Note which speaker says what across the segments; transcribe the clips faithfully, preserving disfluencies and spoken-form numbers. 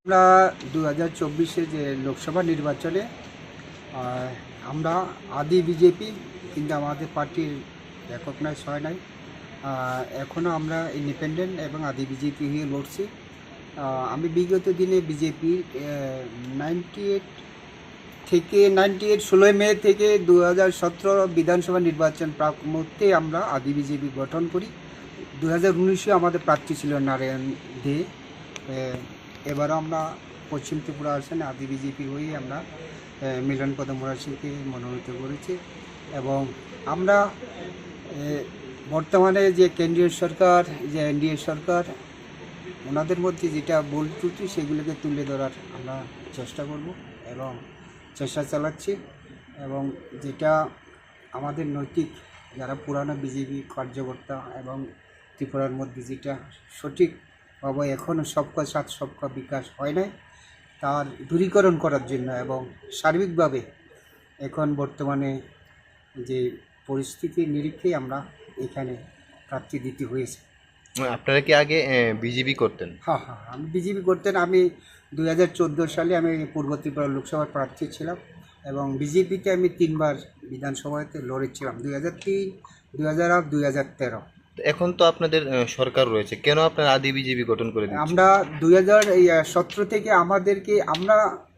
Speaker 1: আমরা দু হাজার চব্বিশে যে লোকসভা নির্বাচনে আহ, আমরা আদি বিজেপি কিন্তু আমাদের পার্টির রেকগনাইজ হয় নাই। আহ, এখনও আমরা ইন্ডিপেন্ডেন্ট এবং আদি বিজেপি হয়ে লড়ছি। আহ, আমি বিগত দিনে বিজেপির নাইনটি এইট থেকে নাইনটি এইট ষোলোই মে থেকে দু হাজার সতেরো বিধানসভা নির্বাচন প্রাক মুহূর্তে আমরা আদি বিজেপি গঠন করি। দু হাজার উনিশে আমাদের প্রার্থী ছিল নারায়ণ দে। আহ, এবারও আমরা পশ্চিম ত্রিপুরা আসনে আদি বিজেপি হয়েই আমরা আহ, মিলনপদ মুরাসিংকে মনোনীত করেছি এবং আমরা আহ, বর্তমানে যে কেন্দ্রীয় সরকার যে এনডিএ সরকার ওনাদের মধ্যে যেটা ভুল ত্রুটি সেগুলোকে তুলে ধরার আমরা চেষ্টা করব এবং চেষ্টা চালাচ্ছি এবং যেটা আমাদের নৈতিক যারা পুরানো বিজেপি কার্যকর্তা এবং ত্রিপুরার মধ্যে যেটা সঠিকভাবে এখনও সবকা সাথ সবকা বিকাশ হয় নাই তার দূরীকরণ করার জন্য এবং সার্বিকভাবে এখন বর্তমানে যে পরিস্থিতির নিরিখে আমরা এখানে প্রার্থী দিতে হয়েছে।
Speaker 2: আপনারা কি আগে বিজেপি করতেন?
Speaker 1: হ্যাঁ হ্যাঁ আমি বিজেপি করতেন। আমি দুই হাজার চোদ্দো সালে আমি পূর্ব ত্রিপুরা লোকসভার প্রার্থী ছিলাম এবং বিজেপিতে আমি তিনবার বিধানসভাতে লড়েছিলাম, দুই হাজার তিন দুই হাজার আট দুই হাজার তেরো।
Speaker 2: এখন তো আপনাদের আহ, সরকার রয়েছে, কেন আপনারা আদি বিজেপি গঠন করে দিচ্ছেন?
Speaker 1: আমরা দুই হাজার সতেরো থেকে আমাদেরকে আমরা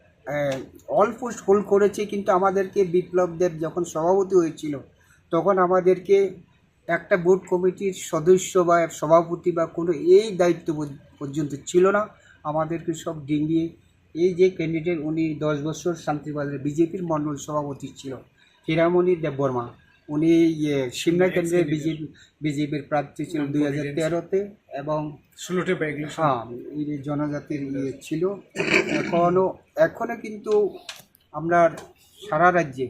Speaker 1: অল পোস্ট হোল্ড করেছি, কিন্তু আমাদেরকে বিপ্লব দেব যখন সভাপতি হয়েছিল তখন আমাদেরকে একটা বোর্ড কমিটির সদস্য বা সভাপতি বা কোনো এই দায়িত্ব পর্যন্ত ছিল না। আমাদেরকে সব ডিঙ্গিয়ে এই যে ক্যান্ডিডেট উনি দশ বছর শান্তিবাজার বিজেপির মণ্ডল সভাপতি ছিল হীরামণি দেববর্মা, উনি ইয়ে সিমনা কেন্দ্রের বিজেপি বিজেপির প্রার্থী ছিল দুই হাজার তেরোতে এবং
Speaker 3: ষোলোটি বাইক
Speaker 1: হ্যাঁ এই জনজাতির ইয়ে ছিল। এখনও এখনও কিন্তু আমরা সারা রাজ্যে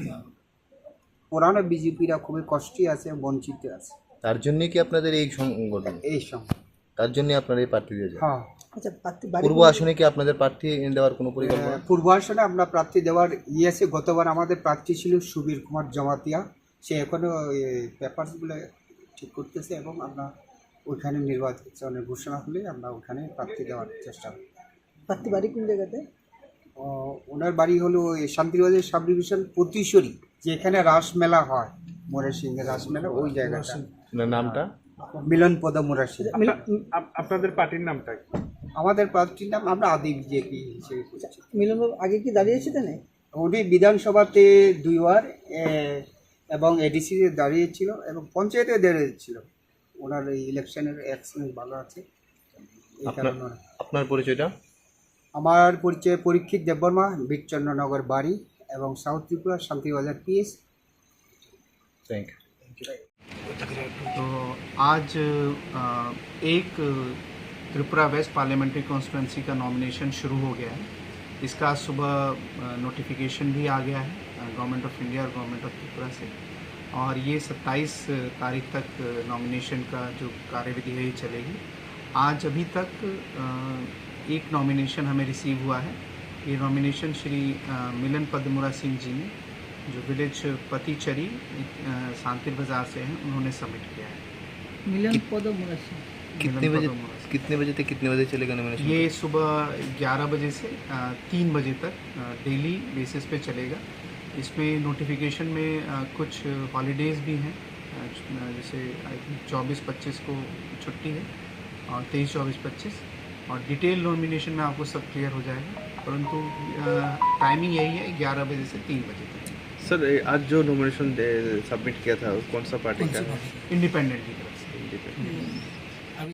Speaker 1: পুরানো বিজেপিরা খুবই কষ্টে আছে, বঞ্চিত আছে।
Speaker 2: তার জন্য কি আপনাদের এই সংগঠন?
Speaker 1: এই সময়
Speaker 2: তার জন্য আপনারা এই প্রার্থী দিয়েছেন?
Speaker 1: হ্যাঁ
Speaker 4: আচ্ছা,
Speaker 2: পূর্ব আসনে কি আপনাদের প্রার্থী দেওয়ার কোনো পরিকল্পনা?
Speaker 1: পূর্ব আসনে আমরা প্রার্থী দেওয়ার ইয়ে আছে। গতবার আমাদের প্রার্থী ছিল সুবীর কুমার জমাতিয়া, সে এখনও পেপারসগুলো ঠিক করতেছে এবং আমরা ওইখানে নির্বাচনের ঘোষণা হলে আমরা ওখানে প্রার্থী দেওয়ার চেষ্টা করি।
Speaker 4: প্রার্থী বাড়ি কোন জায়গাতে?
Speaker 1: ও, ওনার বাড়ি হলো এই শান্তিবাজার সাব ডিভিশন পতিশ্বরী, যেখানে রাসমেলা হয়, মোরাসিংহের রাসমেলা, ওই জায়গাটা।
Speaker 2: আপনার নামটা?
Speaker 1: মিলনপদ মুরাসিং।
Speaker 3: আপনাদের পার্টির নামটা কি?
Speaker 1: আমাদের প্রার্থীর নাম আমরা আদি বিজেপি হিসেবে করছি।
Speaker 4: মিলনবাবু আগে কি দাঁড়িয়েছিলেন?
Speaker 1: উনি বিধানসভাতে দুইবার এ, এবং এডিসিতে দাঁড়িয়েছিল এবং পঞ্চায়েতে দাঁড়িয়েছিল। ওনার এই ইলেকশনের এক্সপিরিয়েন্স ভালো আছে এই
Speaker 2: আপনার
Speaker 1: কারণে ওনার-
Speaker 2: আপনার পরিচয়টা?
Speaker 1: আমার পরিচয় পরীক্ষিত দেববর্মা, বিচন্দ্রনগর বাড়ি এবং south Tripura Shantibazar PS.
Speaker 2: Thank you.
Speaker 5: तो आज अ, एक त्रिपुरा वेस्ट पार्लियामेंट्री कॉन्स्टिट्यूंसी का नॉमिनेशन शुरू हो गया है। इसका आज सुबह नोटिफिकेशन भी आ गया है गवर्नमेंट ऑफ इंडिया और गवर्नमेंट ऑफ त्रिपुरा से, और ये सत्ताईस तारीख तक नॉमिनेशन का जो कार्यविधि है ये चलेगी। आज अभी तक अ, एक नॉमिनेशन हमें रिसीव हुआ है। ये नॉमिनेशन श्री अ, मिलन पद्मुरा सिंह जी ने, जो विलेज पतिचरी शांतिर बाजार से हैं, उन्होंने सबमिट किया है।
Speaker 4: মিলন পদ মুরাসি।
Speaker 2: कितने
Speaker 5: मिलन
Speaker 2: बजे
Speaker 5: पद्मुरा सिंह।
Speaker 2: कितने बजे तक कितने बजे चलेगा नॉमिनेशन?
Speaker 5: ये सुबह ग्यारह बजे से अ, तीन बजे तक डेली बेसिस पे चलेगा। इसमें नोटिफिकेशन में अ, कुछ हॉलीडेज़ भी हैं, अ, जैसे आई थिंक चौबीस पच्चीस को छुट्टी है और तेईस चौबीस पच्चीस, और डिटेल नॉमिनेशन में आपको सब क्लियर हो जाएगा, परंतु टाइमिंग यही है ग्यारह बजे से तीन बजे तक।
Speaker 6: सर आज जो नॉमिनेशन सबमिट किया था कौन सा पार्टी का है?
Speaker 5: इंडिपेंडेंट की तरफ से।